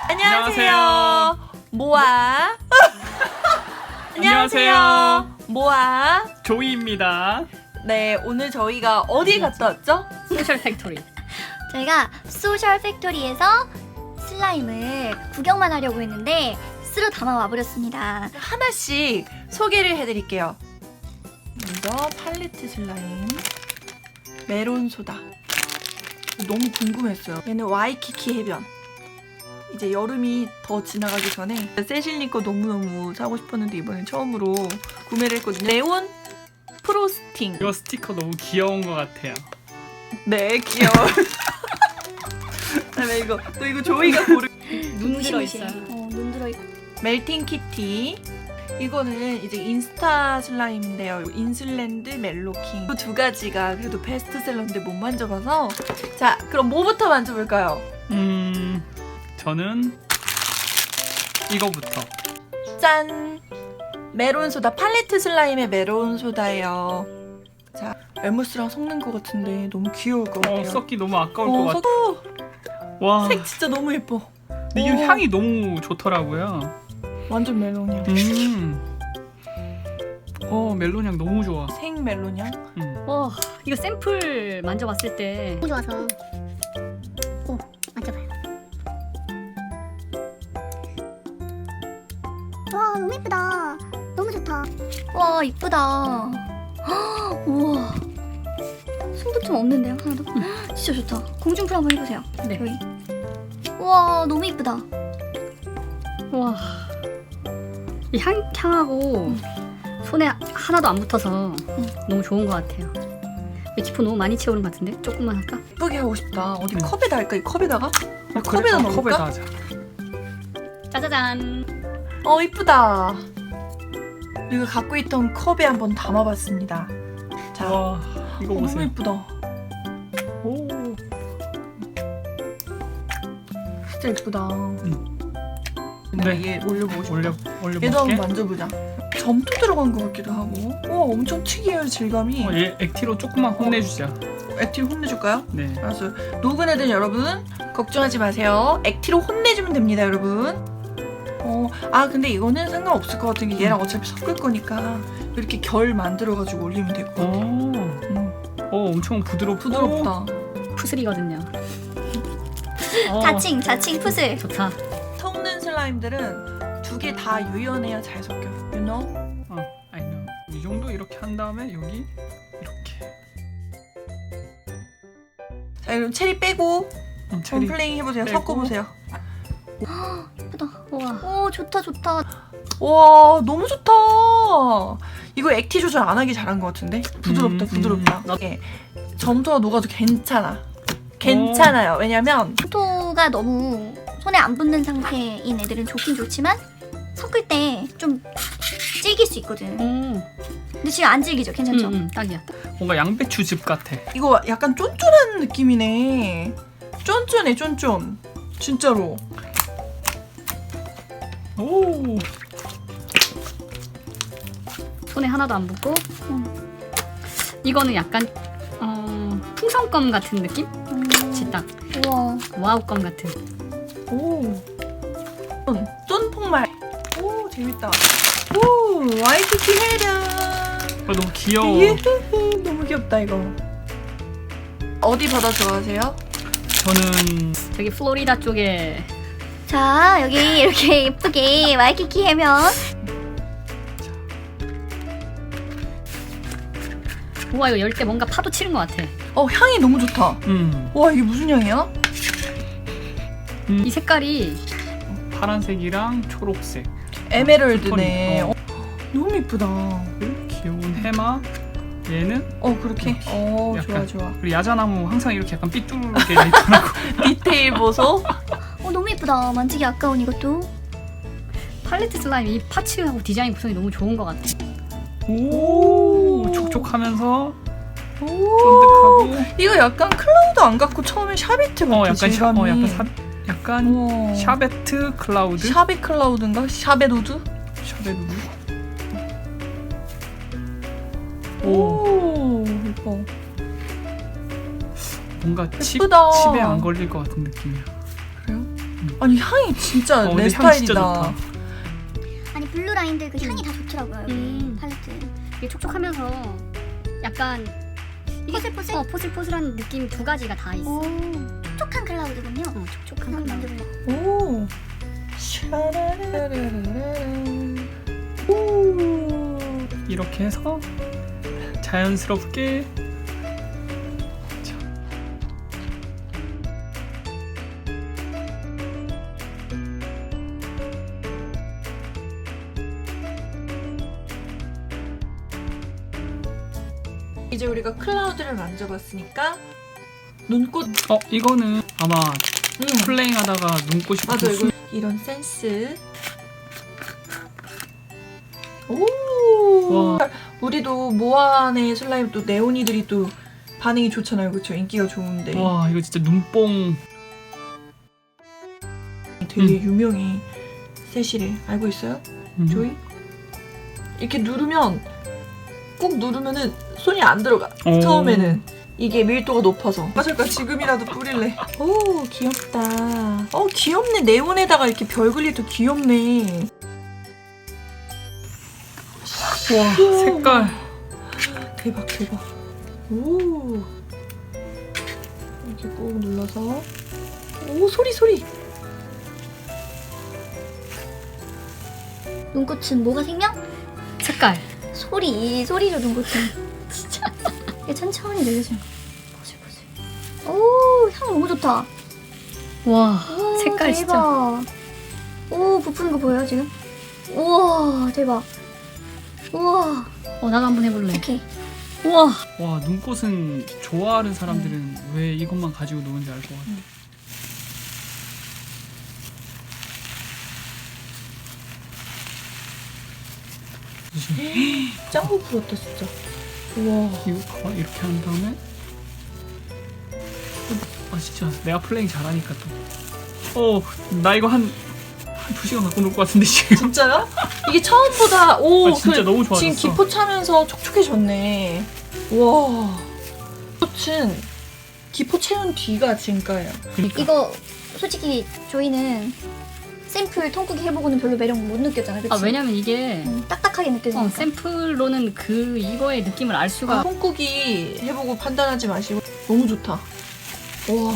안녕하세요. 모아. 안녕하세요. 모아. 조이입니다. 네, 오늘 저희가 어디 갔다 왔죠? 소셜 팩토리. 저희가 소셜 팩토리에서 슬라임을 구경만 하려고 했는데 쓸어 담아 와버렸습니다. 하나씩 소개를 해드릴게요. 먼저 팔레트 슬라임, 메론 소다. 너무 궁금했어요. 얘는 와이키키 해변. 이제 여름이 더 지나가기 전에 세실님 거 너무너무 사고 싶었는데 이번엔 처음으로 구매를 했거든요. 네온 프로스팅. 이거 스티커 너무 귀여운 것 같아요. 네, 귀여워. 그다음에 이거 조이가 고른 눈 들어있어요. 눈 들어있고. 멜팅 키티. 이거는 이제 인스타 슬라임인데요. 인슬랜드 멜로킹. 이 두 가지가 그래도 베스트셀러인데 못 만져봐서. 자, 그럼 뭐부터 만져볼까요? 저는 이거부터. 짠! 메론 소다. 팔레트 슬라임의 메론 소다예요. 자, 엘모스랑 섞는 것 같은데 너무 귀여울 것 같아요. 섞기 너무 아까울 것 같아. 와. 색 진짜 너무 예뻐. 근데 이 향이 너무 좋더라고요. 완전 멜론이야. 멜론 향 너무 좋아. 생 멜론이야? 와, 이거 샘플 만져봤을 때 너무 좋아서. 오, 만져봐요. 와, 너무 예쁘다. 너무 좋다. 와, 이쁘다. 우와. 숨도 좀 없는데요, 하나도? 진짜 좋다. 공중풀 한번 해보세요. 네. 여기. 우와, 너무 이쁘다. 와, 이 향하고 손에 하나도 안 붙어서 너무 좋은 것 같아요. 지퍼 너무 많이 채우는 것 같은데? 조금만 할까? 예쁘게 하고 싶다. 어디 컵에다 할까? 이 컵에다가? 그래, 컵에다 넣을까? 컵에다 하자. 짜자잔. 이쁘다. 이거 갖고 있던 컵에 한번 담아봤습니다. 자, 와, 이거 너무 보세요. 예쁘다. 오. 진짜 예쁘다. 네. 이게 올려보고 싶다. 올려 얘도 한번 볼게. 만져보자. 점토 들어간 것 같기도 하고. 와, 엄청 특이해요, 질감이. 얘 액티로 조금만 혼내주자. 액티로 혼내줄까요? 네. 알았어요. 노그네든 여러분 걱정하지 마세요. 액티로 혼내주면 됩니다, 여러분. 근데 이거는 상관없을 것 같은 게 얘랑 어차피 섞을 거니까 이렇게 결 만들어가지고 올리면 될 것 같아요. 엄청 부드럽고 부드럽다. 푸슬이거든요. 자칭 푸슬. 좋다. 섞는 슬라임들은 두 개 다 유연해야 잘 섞여요. You know? I know. 이 정도 이렇게 한 다음에 여기 이렇게. 자, 그럼 체리 빼고 체리 플레잉 해보세요. 빼고. 섞어보세요. 예쁘다. 와, 오, 좋다. 와, 너무 좋다. 이거 액티 조절 안 하기 잘한 것 같은데? 부드럽다, 부드럽다. 예, 점토가 녹아도 괜찮아요. 왜냐면 토가 너무 손에 안 붙는 상태인 애들은 좋긴 좋지만 섞을 때 좀 질길 수 있거든. 근데 지금 안 질기죠? 괜찮죠? 딱이야. 뭔가 양배추즙 같아. 이거 약간 쫀쫀한 느낌이네. 쫀쫀해, 쫀쫀. 진짜로. 오. 손에 하나도 안 붙고. 이거는 약간 풍선껌 같은 느낌? 딱 우와. 와우껌 같은. 오. 쫀폭말. 오, 재밌다. 오, 와이키키 해변. 너무 귀여워. 유후후, 너무 귀엽다, 이거. 어디 바다 좋아하세요? 저는 저기 플로리다 쪽에 자, 여기 이렇게 예쁘게 와이키키 해면. 우와, 이거 열 때 뭔가 파도 치는 것 같아. 향이 너무 좋다. 와, 이게 무슨 향이야? 이 색깔이 파란색이랑 초록색. 에메랄드네. 톤이, 너무 이쁘다. 귀여운 해마. 얘는 그렇게. 좋아, 약간. 좋아. 그리고 야자나무 항상 이렇게 약간 삐뚤게 있더라고. 디테일 보소. 너무 예쁘다. 만지기 아까운 이것도. 팔레트 슬라임 이 파츠하고 디자인 구성이 너무 좋은 것 같아. 오, 촉촉하면서 오. 쫀득하고. 이거 약간 클라우드 안 갖고 처음에 샤베트 같아. 약간 질감이. 약간 우와. 샤베트 클라우드. 샤베 클라우드인가? 샤베도드? 샤베누드. 오, 예뻐. 뭔가 예쁘다. 칩에 안 걸릴 것 같은 느낌이야. 그래요? 아니 향이 진짜 내 근데 향 스타일이다. 진짜 좋다. 아니 블루 라인들 그 향이 다 좋더라고요. 팔레트. 이게 촉촉하면서 약간 포슬포슬? 포슬포슬한 느낌 두 가지가 다 있어. 오, 촉촉한 클라우드군요. 촉촉한 한번 클라우드. 만져볼래요. 오. 오. 이렇게 해서 자연스럽게 이제 우리가 클라우드를 만져봤으니까 눈꽃. 이거는 아마 플레잉하다가 눈꽃이 맞아 붙은 이거 이런 센스. 오. 와. 우리도 모아의 슬라임 또 네오니들이 또 반응이 좋잖아요, 그렇죠? 인기가 좋은데. 와 이거 진짜 눈뽕. 되게 유명해. 세시를 알고 있어요? 조이? 이렇게 누르면 꾹 누르면은 손이 안 들어가. 오. 처음에는 이게 밀도가 높아서. 맞을까? 지금이라도 뿌릴래. 오 귀엽다. 귀엽네. 네온에다가 이렇게 별 그리도 귀엽네. 와 색깔. 대박 대박. 오 이렇게 꾹 눌러서. 오 소리. 눈꽃은 뭐가 생명? 색깔. 소리죠 눈꽃은. 진짜. 이게 천천히 내려지는 거. 보슬보슬. 오, 향 너무 좋다. 와 오, 색깔 진짜. 대박. 오, 부푸는 거 보여요 지금? 우와, 대박. 우와, 나도 한번 해볼래. 오케이. 우와. 와 눈꽃은 좋아하는 사람들은 왜 이것만 가지고 노는지 알 것 같아. 짱구 부럽다 진짜. 우와. 이거 봐봐 이렇게 한 다음에 진짜 내가 플레잉 잘하니까 또 나 이거 한 2시간 갖고 놀 것 같은데 지금. 진짜요? 이게 처음보다 진짜 너무 좋아졌어. 지금 기포 차면서 촉촉해졌네. 와. 꽃은 기포 채운 뒤가 진가예요. 그러니까 이거 솔직히 저희는 샘플 통쿠기 해보고는 별로 매력 못 느꼈잖아요, 그치? 왜냐면 이게 딱딱하게 느껴지니까. 샘플로는 이거의 느낌을 알 수가. 콩쿠기 해보고 판단하지 마시고 너무 좋다. 와.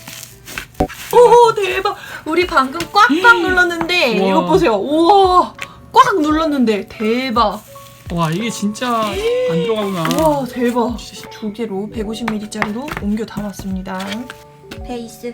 오 대박. 우리 방금 꽉꽉 눌렀는데 우와. 이거 보세요. 우와. 꽉 눌렀는데 대박. 와 이게 진짜 안 들어가구나. 우와 대박. 두 개로 150ml짜리로 옮겨 담았습니다. 베이스.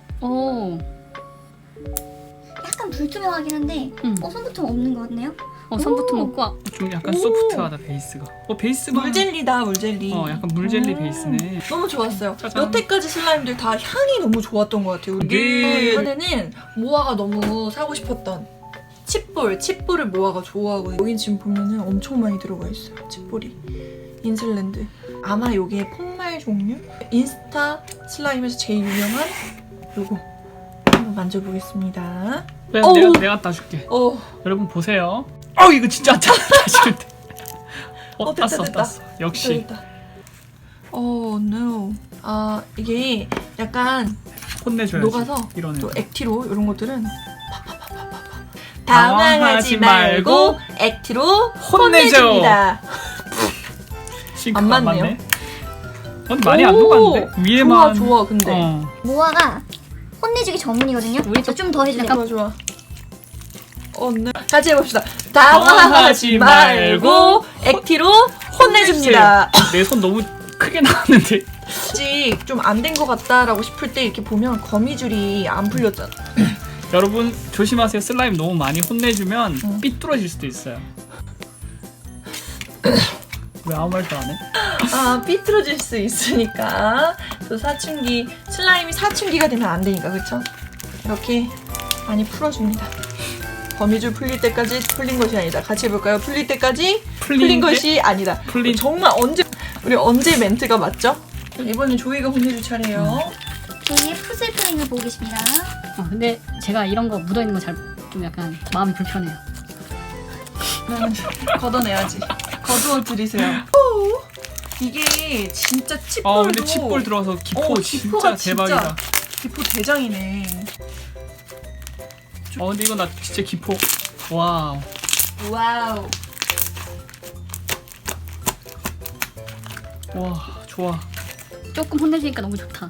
약간 불투명하긴 한데 손부터 없는 것 같네요. 선부터 먹고 좀 약간 오. 소프트하다 베이스가. 베이스가 물젤리다 물젤리. 약간 물젤리 베이스네. 너무 좋았어요. 짜잔. 여태까지 슬라임들 다 향이 너무 좋았던 것 같아요. 우리 네. 이번에는 모아가 너무 사고 싶었던 칩볼을 모아가 좋아하고 여긴 지금 보면은 엄청 많이 들어가 있어요. 칩볼이 인슬랜드. 아마 요게 폭말 종류? 인스타 슬라임에서 제일 유명한 요거 한번 만져보겠습니다. 내가 따줄게. 여러분 보세요. 이거 진짜 안 따질 때. 됐다. 땄어. 역시 됐다. no. 이게 약간 혼내줘야지. 녹아서 이런 또 애들. 액티로 이런 것들은 당황하지 말고 액티로 혼내줍니다. 싱크가 안 안 맞네요. 맞네. 많이 안 녹았는데 위에만. 좋아 근데 모아가 혼내주기 전문이거든요. 우리 좀 더 해주세요. 좋아. no. 같이 해봅시다. 당황하지 말고 액티로 혼내줍니다. 내 손 너무 크게 나왔는데. 아직 좀 안 된 것 같다라고 싶을 때 이렇게 보면 거미줄이 안 풀렸잖아. 여러분 조심하세요. 슬라임 너무 많이 혼내주면 삐뚤어질 수도 있어요. 왜 아무 말도 안 해? 삐뚤어질 수 있으니까 또 슬라임이 사춘기가 되면 안 되니까 그렇죠? 이렇게 많이 풀어줍니다. 거미줄 풀릴 때까지 풀린 것이 아니다. 같이 해볼까요? 풀릴 때까지 풀린 것이 아니다. 정말 우리 언제 멘트가 맞죠? 이번엔 조이가 혼내줄 차례예요. 조이의 푸슬플링을 보고 계십니다. 근데 제가 이런 거 묻어있는 거 좀 약간 마음이 불편해요. 걷어내야지. 거두어 드리세요. 이게 진짜 칩볼도. 근데 칩볼 들어가서 기포 기포가 진짜 대박이다. 기포 대장이네. 근데 이거 나 진짜 기포. 와우. 와우. 와, 좋아. 조금 혼내주니까 너무 좋다.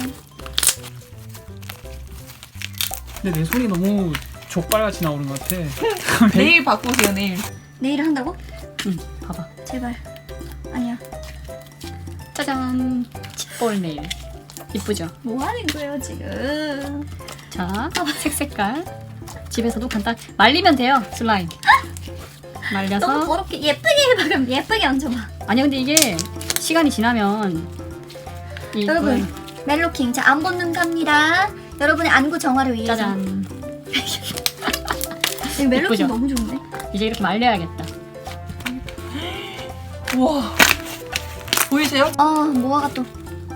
근데 내 손이 너무 족발같이 나오는 것 같아. 내일 바꾸세요, 내일. 내일 한다고? 응, 봐봐. 제발. 아니야. 짜잔. 칩볼 네일. 이쁘죠? 뭐 하는 거예요 지금? 자, 색깔. 집에서도 간단. 말리면 돼요, 슬라임. 너무 말려서. 더럽게 예쁘게 해봐. 그럼 예쁘게 얹어봐. 아니야, 근데 이게 시간이 지나면 여러분 멜로킹 자 안 붙는 갑니다. 여러분의 안구 정화를 위해서. 짜잔. 이 멜로킹 예쁘죠? 너무 좋은데? 이제 이렇게 말려야겠다. 우와. 보이세요? 모아가 또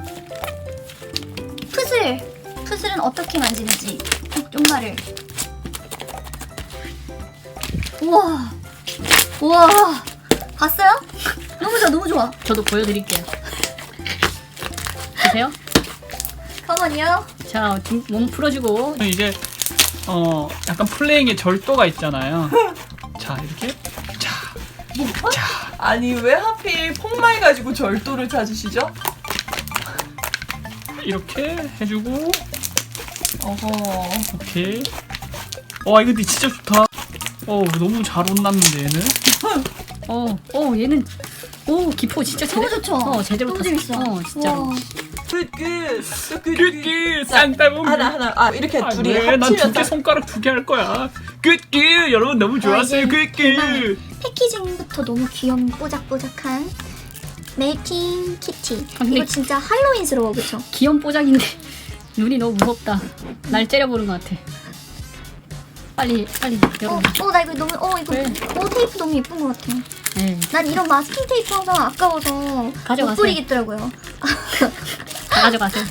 푸슬은 어떻게 만지는지 쪽말을. 우와 봤어요? 너무 좋아 너무 좋아. 저도 보여드릴게요. 보세요. 가만히요. 자, 몸 풀어주고. 이제 약간 플레잉의 절도가 있잖아요. 자, 이렇게. 자. 자. 아니 왜 하필 폭말 가지고 절도를 찾으시죠? 이렇게 해주고. 어허. 오케이. 와, 이거 근데 진짜 좋다. 너무 잘 혼났는데 얘는. 얘는 기포 진짜 너무 제대로. 좋죠? 제대로 너무 탔어. 재밌어. 진짜로. 와. 굿굿 쌍따봉. 하나. 이렇게 둘이 난 두 합치면 개 딱. 손가락 2개 할 거야. 굿굿 여러분 너무 좋았어요. 이제 굿굿. 패키징부터 너무 귀염 뽀짝뽀짝한 멜팅 키티. 근데- 이거 진짜 할로윈스러워 그쵸? 귀염뽀짝인데 눈이 너무 무섭다. 날 째려보는 것 같아. 빨리 여러분. 나 이거 너무 이거 왜? 테이프 너무 예쁜 것 같아. 네, 난 이런 마스킹 테이프 항상 아까워서 가져가세요. 못 뿌리겠더라고요. 다 가져가세요.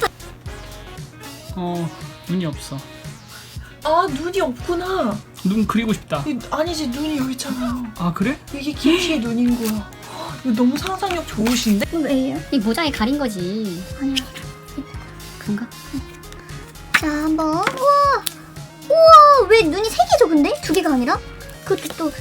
눈이 없어. 아 눈이 없구나. 눈 그리고 싶다. 아니지 눈이 여기 있잖아요. 아, 그래? 이게 김치의 눈인 거야. 이거 너무 상상력 좋으신데? 이거 왜요? 이 모자에 가린 거지. 아니야. 그런가? 자 한번 우와 왜 눈이 3개죠 근데? 2개가 아니라? 그것도 또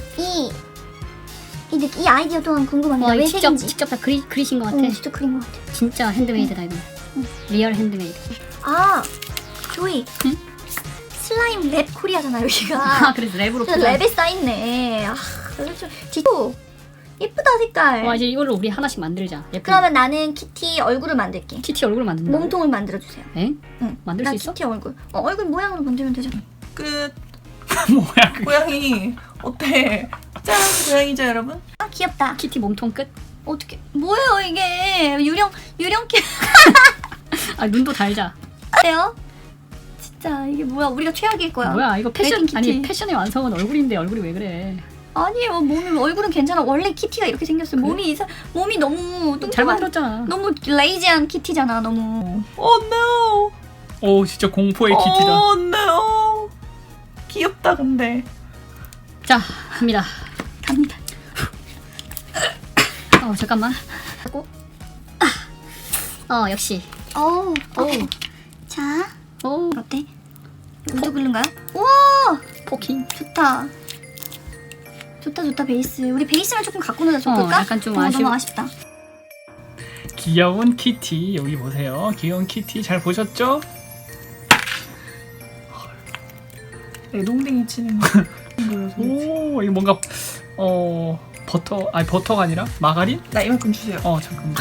이 아이디어 또한 궁금합니다. 와, 왜 이거 직접 3개인지. 직접 다 그리신 것 같아. 직접 그린 것 같아. 진짜 핸드메이드다 이거. 리얼 핸드메이드. 조이. 응? 슬라임 랩 코리아잖아 여기가. 아, 그래서 랩으로. 진짜 랩에 쌓였네. 디토. 예쁘다 색깔. 와, 이제 이걸로 우리 하나씩 만들자. 예쁜. 그러면 나는 키티 얼굴을 만들게. 키티 얼굴 만든다. 몸통을 만들어주세요. 에? 응. 만들 난 수 있어? 키티 얼굴. 얼굴 모양으로 만들면 되잖아. 끝. 뭐야 그게. 고양이 어때? 짠 고양이죠 여러분? 귀엽다. 키티 몸통 끝. 어떻게? 뭐예요 이게? 유령 키. 아, 눈도 달자. 어때요? 진짜 이게 뭐야? 우리가 최악일 거야. 뭐야, 이거 패션. 멜팅 키티. 아니, 패션의 완성은 얼굴인데 얼굴이 왜 그래? 아니에요. 얼굴은 괜찮아. 원래 키티가 이렇게 생겼어요. 몸이 너무 뚱뚱한. 잘 만들었잖아. 너무 레이지한 키티잖아. 너무. Oh no. 진짜 공포의 키티다. Oh no. 귀엽다 근데. 자, 갑니다. 갑니다. 잠깐만. 하고. 역시. 오케이. 자, 어때? 우드 글루인가요? 우와, 포킹. 좋다 베이스. 우리 베이스를 조금 갖고 놀자 좋을까? 약간 좀 너무 아쉽다. 귀여운 키티 여기 보세요. 귀여운 키티 잘 보셨죠? 내동댕이 치는 거. 오, 이거 뭔가 버터가 아니라 마가린? 나 이만큼 주세요. 잠깐만.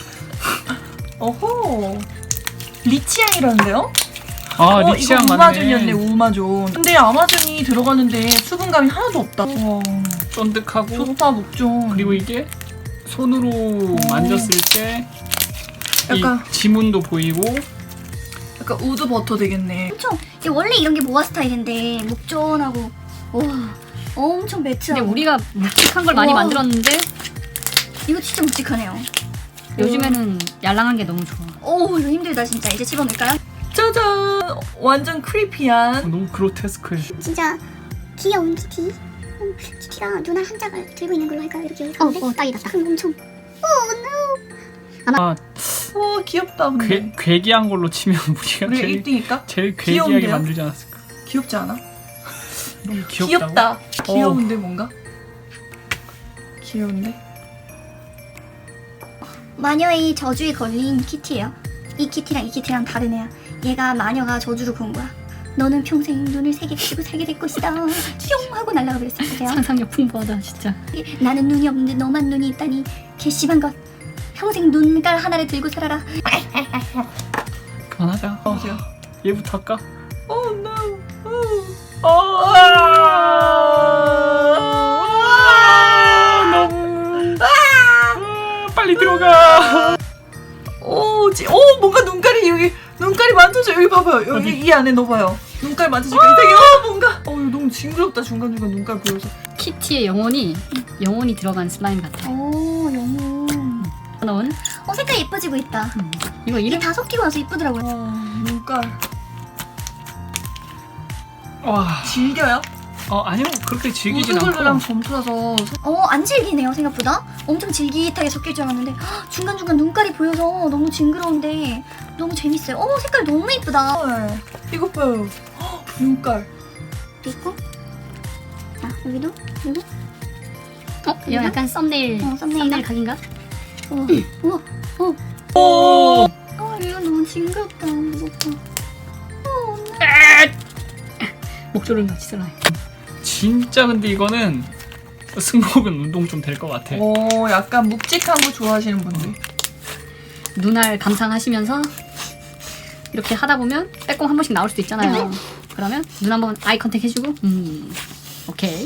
어허. 리치향이라는데요? 리치향 이거 맞네. 우마존이었네 우마존. 근데 아마존이 들어가는데 수분감이 하나도 없다. 와. 쫀득하고. 좋다 목존. 그리고 이게 손으로 만졌을 때 약간- 이 지문도 보이고. 약간 우드 버터 되겠네. 원래 이런 게 모아 스타일인데 목전하고 와 엄청 매트하고. 근데 우리가 묵직한 걸 많이 우와. 만들었는데 이거 진짜 묵직하네요. 요즘에는 얄랑한 게 너무 좋아. 이거 힘들다 진짜. 이제 집어넣을까요? 짜잔. 완전 크리피한. 너무 그로테스크해. 진짜 귀여운 키티. 키티가 누나 한 짝을 들고 있는 걸로 할까요? 이렇게. 딱이다. 큰 엄청. 아, 와 귀엽다 근데. 괴기한 걸로 치면 우리가 우리 1등일까? 제일 괴기하게 귀여운데요? 만들지 않았을까? 귀엽지 않아? 너무 귀엽다고? 귀엽다. 귀여운데 뭔가? 귀여운데? 마녀의 저주에 걸린 키티예요. 이 키티랑 이 키티랑 다른 애야. 얘가 마녀가 저주를 건 거야. 너는 평생 눈을 세 개 가지고 살게 될 것이다. 뿅 하고 날아가 버렸어요. 보세요. 상상력 풍부하다 진짜. 나는 눈이 없는데 너만 눈이 있다니 괘씸한 것. 평생 눈깔 하나를 들고 살아라. 그만하자. 보세요. 얘부터 할까? Oh no. 너무. 빨리 들어가. 오, 뭔가 눈깔이 여기 눈깔이 만져져. 여기 봐봐요. 여기 어디? 이 안에 넣어봐요. 눈깔 만져지니까 이상해. 뭔가. 이거 너무 징그럽다. 중간중간 눈깔 보여서. 키티의 영혼이 들어간 슬라임 같아. 오 영혼. 넣은 색깔 예뻐지고 있다. 이거 이게 이름 다 섞이고 나서 예쁘더라고요. 눈깔. 와. 질겨요? 아니요 그렇게 질기진 우드글루랑 않고. 점프라서 안 질기네요 생각보다. 엄청 질깃하게 섞일 줄 알았는데 중간중간 눈깔이 보여서 너무 징그러운데 너무 재밌어요. 색깔 너무 예쁘다. 헐. 이거 봐요. 눈깔. 있고 자 여기도 그리고 이거 약간 썸네일 썸네일 각인가? 우와 오. 이거 너무 징그럽다. 무섭다. 목조름 같이 슬라임. 진짜 근데 이거는 승복은 운동 좀 될 것 같아. 오, 약간 묵직한 거 좋아하시는 분들. 눈알 감상하시면서 이렇게 하다 보면 빼꼼 한 번씩 나올 수도 있잖아요. 그러면 눈 한번 아이 컨택 해주고 오케이.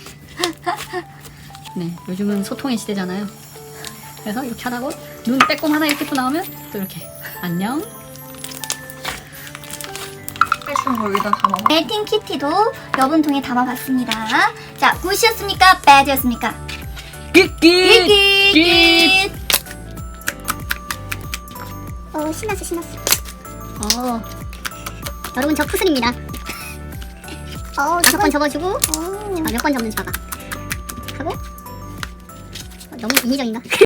네, 요즘은 소통의 시대잖아요. 그래서 이렇게 하다고 눈 빼꼼 하나 이렇게 또 나오면 또 이렇게 안녕. 빼주는 거 여기다 담아. 멜팅 키티도 여분통에 담아봤습니다. 자, 굿이었습니까? 배드였습니까? 끼끼. 신났어. 여러분 저 푸슬입니다. 5번 접어주고 오. 몇 번 접는지 봐봐. 하고 너무 인위적인가?